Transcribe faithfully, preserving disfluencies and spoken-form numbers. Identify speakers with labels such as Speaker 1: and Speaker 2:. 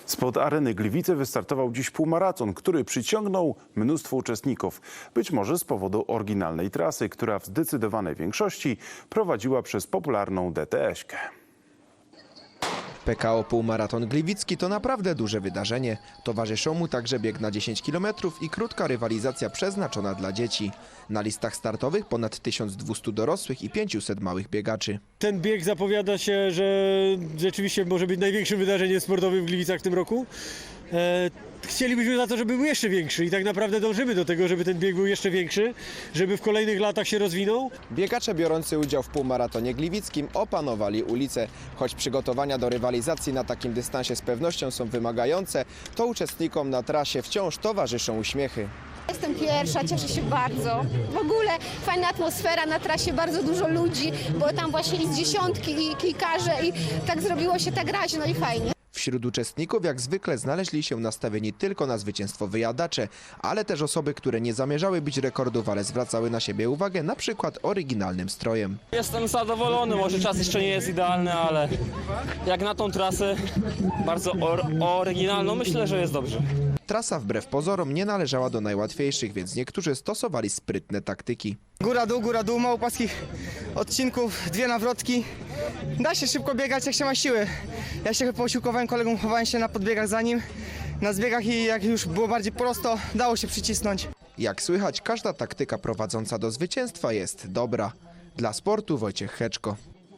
Speaker 1: Spod areny Gliwice wystartował dziś półmaraton, który przyciągnął mnóstwo uczestników. Być może z powodu oryginalnej trasy, która w zdecydowanej większości prowadziła przez popularną D T S-kę.
Speaker 2: P K O Półmaraton Gliwicki to naprawdę duże wydarzenie. Towarzyszą mu także bieg na dziesięć kilometrów i krótka rywalizacja przeznaczona dla dzieci. Na listach startowych ponad tysiąc dwieście dorosłych i pięćset małych biegaczy.
Speaker 3: Ten bieg zapowiada się, że rzeczywiście może być największym wydarzeniem sportowym w Gliwicach w tym roku. E, chcielibyśmy za to, żeby był jeszcze większy i tak naprawdę dążymy do tego, żeby ten bieg był jeszcze większy, żeby w kolejnych latach się rozwinął.
Speaker 2: Biegacze biorący udział w półmaratonie gliwickim opanowali ulicę. Choć przygotowania do rywalizacji na takim dystansie z pewnością są wymagające, to uczestnikom na trasie wciąż towarzyszą uśmiechy.
Speaker 4: Jestem pierwsza, cieszę się bardzo. W ogóle fajna atmosfera na trasie, bardzo dużo ludzi, bo tam właśnie i z dziesiątki i kilkarze i tak zrobiło się tak raźno i fajnie.
Speaker 2: Wśród uczestników jak zwykle znaleźli się nastawieni tylko na zwycięstwo wyjadacze, ale też osoby, które nie zamierzały bić rekordów, ale zwracały na siebie uwagę na przykład oryginalnym strojem.
Speaker 5: Jestem zadowolony, może czas jeszcze nie jest idealny, ale jak na tą trasę bardzo or oryginalną, myślę, że jest dobrze.
Speaker 2: Trasa wbrew pozorom nie należała do najłatwiejszych, więc niektórzy stosowali sprytne taktyki.
Speaker 6: Góra dół, góra dół, mało płaskich odcinków, dwie nawrotki. Da się szybko biegać, jak się ma siły. Ja się posiłkowałem kolegą, chowałem się na podbiegach za nim, na zbiegach i jak już było bardziej prosto, dało się przycisnąć.
Speaker 2: Jak słychać, każda taktyka prowadząca do zwycięstwa jest dobra. Dla sportu Wojciech Heczko.